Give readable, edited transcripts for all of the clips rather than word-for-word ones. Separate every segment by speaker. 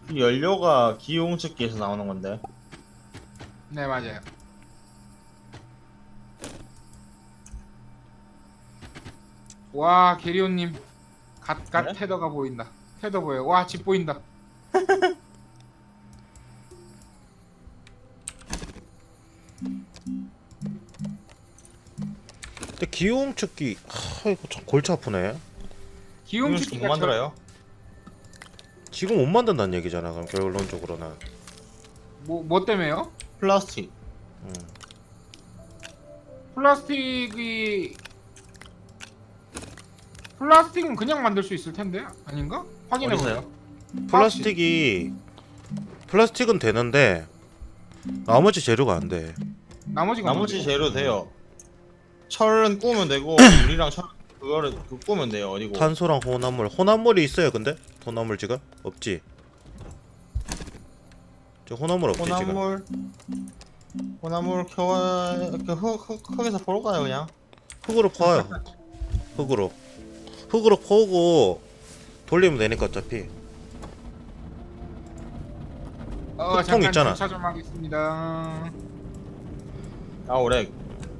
Speaker 1: 이 연료가 기용측기에서 나오는 건데.
Speaker 2: 네, 맞아요. 와, 게리온님 갓
Speaker 1: 네?
Speaker 2: 테더가 보인다. 테더 보여. 와, 집 보인다.
Speaker 3: 근데 기용축기 이거 참 골치 아프네.
Speaker 1: 기용측기 못
Speaker 2: 기용축기가
Speaker 1: 만들어요?
Speaker 3: 지금 못 만든다는 얘기잖아. 그럼 결론적으로는.
Speaker 2: 뭐 때문에요?
Speaker 1: 플라스틱.
Speaker 3: 음.
Speaker 2: 플라스틱은 그냥 만들 수 있을 텐데 아닌가? 확인해
Speaker 1: 어디서요?
Speaker 2: 보세요.
Speaker 3: 플라스틱은 되는데 나머지 재료가 안 돼.
Speaker 2: 나머지가
Speaker 1: 나머지
Speaker 2: 뭔데요?
Speaker 1: 재료 돼요. 철은 구우면 되고 우리랑 철 그거를 구우면 돼요. 어디고?
Speaker 3: 탄소랑 혼합물이 있어요. 근데 혼합물 지금 없지. 저 혼합물 없지 지금.
Speaker 1: 혼합물 켜와 흙에서 보러 가요 그냥.
Speaker 3: 흙으로 퍼요. 흙으로 퍼고 돌리면 되니까 어차피. 흙통
Speaker 2: 잠깐
Speaker 3: 있잖아.
Speaker 2: 주차 좀 하겠습니다.
Speaker 1: 아 오래.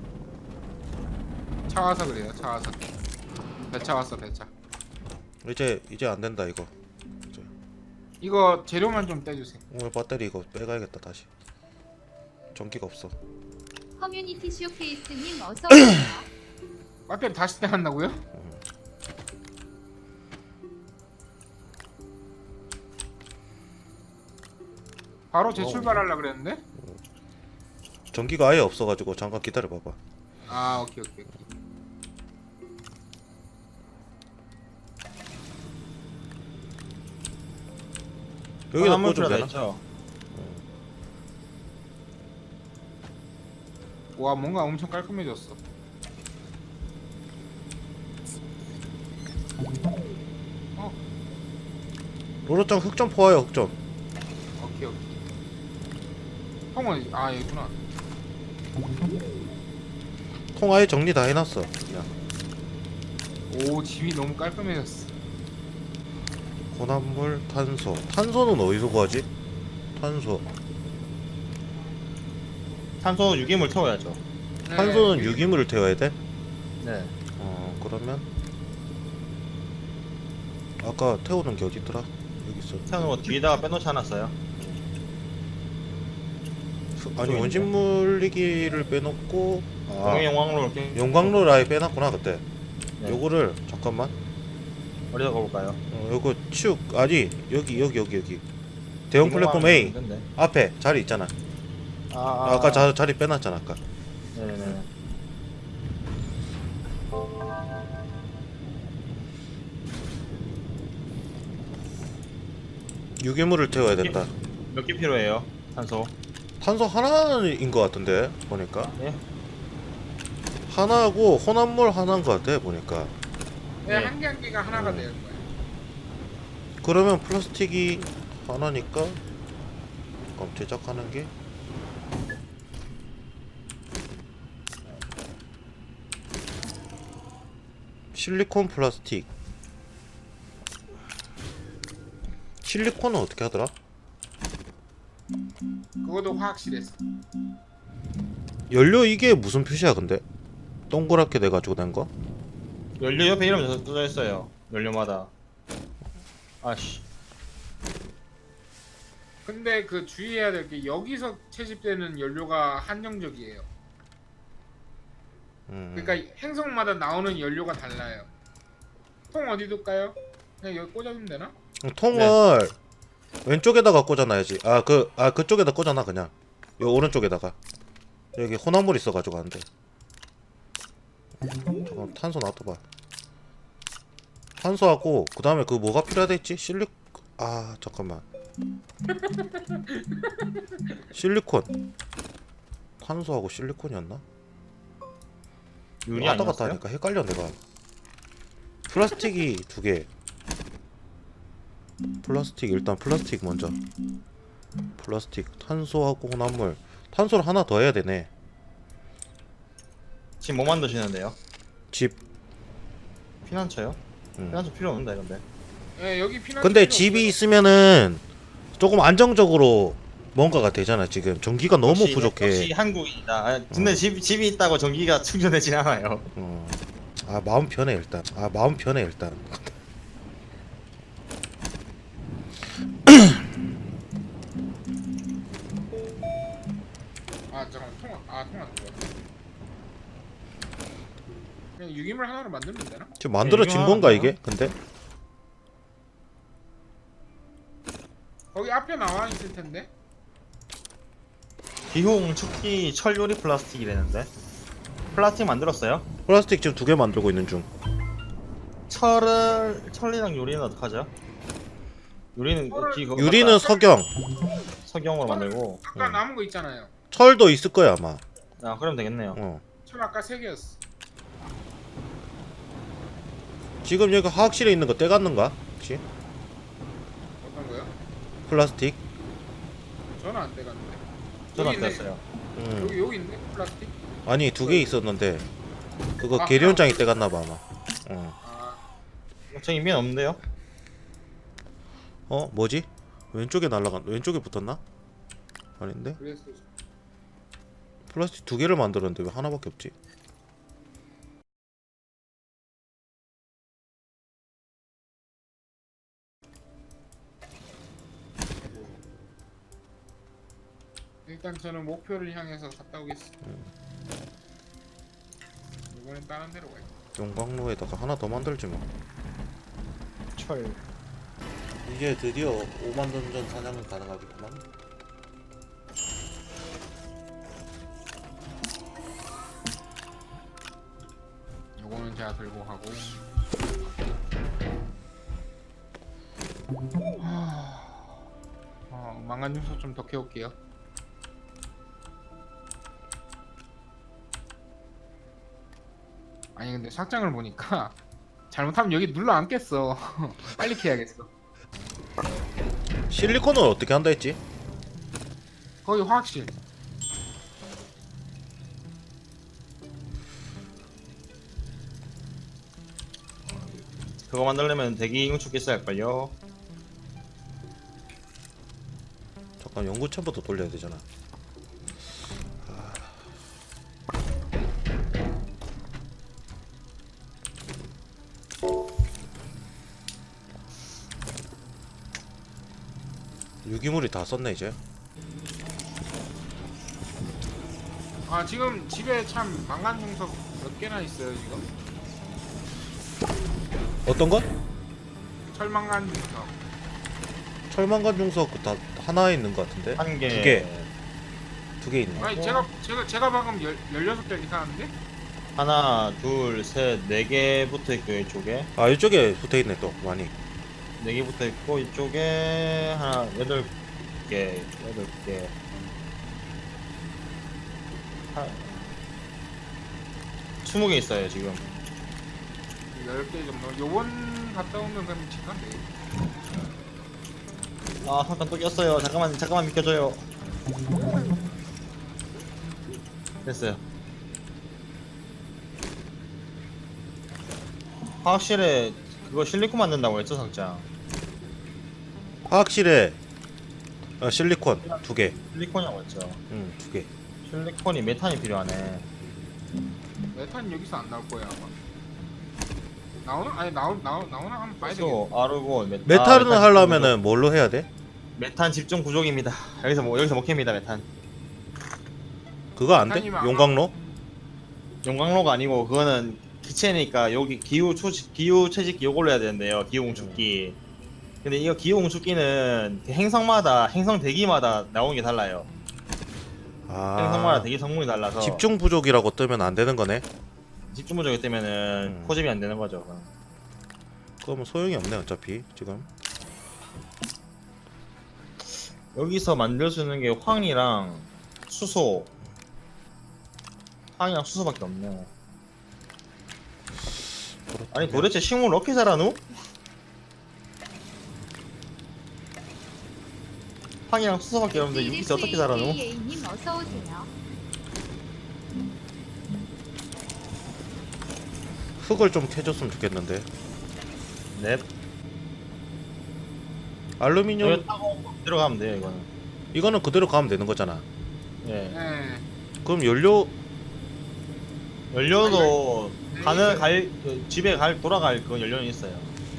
Speaker 2: 차 와서 그래요. 차 와서. 배차 왔어, 배차.
Speaker 3: 이제 안 된다 이거.
Speaker 2: 이거 재료만 좀 떼주세요.
Speaker 3: 오늘 배터리 이거 빼가야겠다 다시. 전기가 없어.
Speaker 4: 커뮤니티 쇼케이스님 어서 오세요.
Speaker 2: 배터리 다시 떼한다고요? 바로 재출발하려 그랬는데?
Speaker 3: 전기가 아예 없어가지고 잠깐 기다려봐봐.
Speaker 2: 아, 오케이.
Speaker 3: 여기다
Speaker 1: 혼합물
Speaker 3: 꽂으면
Speaker 1: 필요하다
Speaker 3: 되나?
Speaker 1: 했죠.
Speaker 2: 와, 뭔가 엄청 깔끔해졌어.
Speaker 3: 로로짱 흙 좀 퍼와요 흙 좀.
Speaker 2: 오케이. 형은 여기구나.
Speaker 3: 통 아예 정리 다 해놨어 그냥.
Speaker 2: 오, 집이 너무 깔끔해졌어.
Speaker 3: 혼합물 탄소는 어디서 구하지?
Speaker 1: 탄소 유기물 태워야죠.
Speaker 2: 네,
Speaker 3: 탄소는 유기물을 태워야 돼?
Speaker 1: 네.
Speaker 3: 그러면 아까 태우는 게 어디더라? 여기 있어.
Speaker 1: 태우는 거 뒤에다가 빼놓지 않았어요?
Speaker 3: 아니 원심 물리기를 빼놓고
Speaker 1: 동해 용광로 이렇게
Speaker 3: 용광로를 아예 빼놨구나 그때.
Speaker 1: 네.
Speaker 3: 요거를 잠깐만.
Speaker 1: 어디다 가볼까요?
Speaker 3: 요거 아니 여기 대형 플랫폼 A
Speaker 1: 있는데.
Speaker 3: 앞에 자리 있잖아. 아까 자리 빼놨잖아 아까.
Speaker 1: 네네.
Speaker 3: 유기물을 태워야 된다.
Speaker 1: 몇 개 필요해요? 탄소.
Speaker 3: 탄소 하나인 것 같은데 보니까.
Speaker 1: 예?
Speaker 3: 하나하고 혼합물 하나인 것 같아 보니까.
Speaker 2: 네,
Speaker 1: 네.
Speaker 2: 한 개 한 개가 하나가 되는 거야.
Speaker 3: 그러면 플라스틱이 하나니까 그럼 제작하는 게 실리콘 플라스틱. 실리콘은 어떻게 하더라?
Speaker 2: 그것도 화학실에서.
Speaker 3: 연료 이게 무슨 표시야 근데? 동그랗게 돼가지고 된 거?
Speaker 1: 연료 옆에 이름 써져 있어요. 연료마다. 아씨.
Speaker 2: 근데 그 주의해야 될 게 여기서 채집되는 연료가 한정적이에요. 그러니까 행성마다 나오는 연료가 달라요. 통 어디 둘까요? 그냥 여기 꽂아주면 되나?
Speaker 3: 통을 왼쪽에다가 꽂아놔야지. 그쪽에다 꽂아놔 그냥. 요 오른쪽에다가. 여기 혼합물 있어가지고 안 돼. 잠깐 탄소 놔둬봐. 탄소하고 그 다음에 그 뭐가 필요하다 했지? 잠깐만. 실리콘. 탄소하고 실리콘이었나?
Speaker 1: 윤이
Speaker 3: 왔다 갔다
Speaker 1: 아니었어요?
Speaker 3: 하니까 헷갈려 내가. 플라스틱이 2개. 일단 플라스틱 먼저. 탄소하고 혼합물. 탄소를 하나 더 해야 되네.
Speaker 1: 지금 뭐 만드시는데요?
Speaker 3: 집.
Speaker 1: 피난처요? 피난처 필요 없는데 근데.
Speaker 2: 예, 여기 피난.
Speaker 3: 근데 집이 있으면은 조금 안정적으로 뭔가가 되잖아. 지금 전기가 너무
Speaker 1: 역시
Speaker 3: 부족해.
Speaker 1: 한국이다. 아, 근데 집이 있다고 전기가 충전되진 않아요.
Speaker 3: 아 마음 편해 일단.
Speaker 2: 아 잠깐 통화 누가? 그냥 유기물 하나로 만들면 되나?
Speaker 3: 지금 만들어진
Speaker 1: 네,
Speaker 3: 건가
Speaker 1: 이거
Speaker 3: 이게? 근데
Speaker 2: 거기 앞에 나와 있을 텐데.
Speaker 1: 기홍 축기 철 요리 플라스틱이라는데. 플라스틱 만들었어요?
Speaker 3: 플라스틱 지금 2개 만들고 있는 중.
Speaker 1: 철이랑 요리는 어떡하죠? 요리는
Speaker 3: 유리는 석영,
Speaker 1: 석영으로 만들고.
Speaker 2: 아까 남은 거 있잖아요.
Speaker 3: 철도 있을 거야 아마.
Speaker 1: 아, 그럼 되겠네요.
Speaker 2: 철 아까 3개였어.
Speaker 3: 지금 여기 화학실에 있는 거 떼갔는가? 혹시?
Speaker 2: 어떤 거요?
Speaker 3: 플라스틱?
Speaker 2: 저는 안 돼갔는데.
Speaker 1: 저도 안
Speaker 2: 있네.
Speaker 1: 됐어요.
Speaker 2: 여기 있네 플라스틱.
Speaker 3: 아니 2개 있었는데 그거
Speaker 2: 아,
Speaker 3: 계련장이 떼갔나봐 아마.
Speaker 2: 아
Speaker 1: 저 인면 없는데요?
Speaker 3: 뭐지? 왼쪽에 붙었나? 아닌데?
Speaker 2: 그래서
Speaker 3: 플라스틱 2개를 만들었는데 왜 하나밖에 없지?
Speaker 2: 일단 저는 목표를 향해서 갔다 오겠습니다. 이번엔 다른 데로 가요.
Speaker 3: 용광로에다가 하나 더 만들지 뭐.
Speaker 1: 철.
Speaker 3: 이제 드디어 5만 던전 사냥은 가능하겠구만.
Speaker 2: 요거는 제가 들고 가고. 망간 요소 좀 더 캐올게요. 아니 근데 삭장을 보니까 잘못하면 여기 눌러 앉겠어. 빨리 캐야겠어.
Speaker 3: 실리콘은 어떻게 한다 했지?
Speaker 2: 거기 화학실.
Speaker 1: 그거 만들려면 대기 응축기 써야 할걸요.
Speaker 3: 잠깐 연구체부터 돌려야 되잖아. 유기물이 다 썼네 이제.
Speaker 2: 아 지금 집에 참 망간 중석 몇 개나 있어요 지금.
Speaker 3: 어떤 것?
Speaker 2: 철망간 중석.
Speaker 3: 철망간 중석 다 하나에 있는 것 같은데.
Speaker 1: 한 개.
Speaker 3: 2개. 2개 있네.
Speaker 2: 아니 제가 방금 16개 이상한데?
Speaker 1: 하나, 둘, 셋, 네 개 붙어 있고요 이쪽에.
Speaker 3: 아 이쪽에 붙어 있네 또 많이.
Speaker 1: 네 개 붙어 있고 이쪽에 하나 8개. 한 20개 있어요 지금.
Speaker 2: 10개 정도. 요번 갔다 오면 그럼 집간 돼.
Speaker 1: 아 잠깐 또 꼈어요. 잠깐만 비켜줘요. 됐어요. 화학실에 그거 실리콘 만든다고 했죠 상장.
Speaker 3: 화학실에 실리콘 2개.
Speaker 1: 실리콘이라고 했죠.
Speaker 3: 2개.
Speaker 1: 실리콘이 메탄이 필요하네.
Speaker 2: 메탄 여기서 안 나올 거야 아마. 나오나? 아니 나오나 한번 봐야 되겠다.
Speaker 1: 소, 아르곤,
Speaker 3: 메탈은
Speaker 1: 메탄
Speaker 3: 하려면은 뭘로 해야 돼?
Speaker 1: 메탄 집중 구족입니다. 여기서 못 캡니다 메탄.
Speaker 3: 그거 안 돼?
Speaker 2: 메탄이면 아마-
Speaker 3: 용광로?
Speaker 1: 용광로가 아니고 그거는 기체니까 여기 기후 채집기 요걸로 해야 되는데요. 기후 응축기. 근데 이거 기후 응축기는 그 행성 대기마다 나오는 게 달라요. 행성마다
Speaker 3: 아
Speaker 1: 대기 성분이 달라서
Speaker 3: 집중 부족이라고 뜨면 안 되는 거네.
Speaker 1: 집중 부족이 때문에는 포집이 안 되는 거죠.
Speaker 3: 그러면 소용이 없네 어차피 지금.
Speaker 1: 여기서 만들 수 있는 게 황이랑 수소. 황이랑 수소밖에 없네. 아니 도대체 식물을 어떻게 자라누? 황이랑 수소밖에 없는데 여기서 어떻게 자라누?
Speaker 4: 님 어서 오세요.
Speaker 3: 흙을 좀 캐줬으면 좋겠는데.
Speaker 1: 넵.
Speaker 3: 알루미늄
Speaker 1: 이거 타고 들어가면 돼요 이거는.
Speaker 3: 이거는 그대로 가면 되는 거잖아.
Speaker 1: 예.
Speaker 2: 네.
Speaker 3: 그럼 연료
Speaker 1: 연료도
Speaker 2: 네.
Speaker 1: 집에 돌아갈 그 연료는 있어요.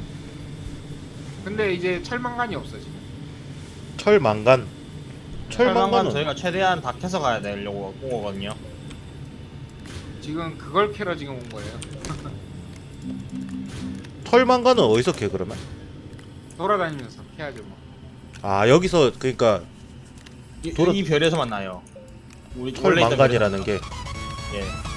Speaker 2: 근데 이제 철망간이 없어 지금.
Speaker 3: 철망간
Speaker 1: 철망간
Speaker 3: 철망간은
Speaker 1: 저희가 최대한 다 켜서 가야 되려고 온 거거든요.
Speaker 2: 지금 그걸 캐러 지금 온 거예요.
Speaker 3: 철망간은 어디서 캐 그러면?
Speaker 2: 돌아다니면서 캐야죠 뭐.
Speaker 3: 아 여기서 그러니까
Speaker 1: 이 별에서만 나요. 우리 원래 있던
Speaker 3: 철망간이라는 게
Speaker 1: 별에서. 예.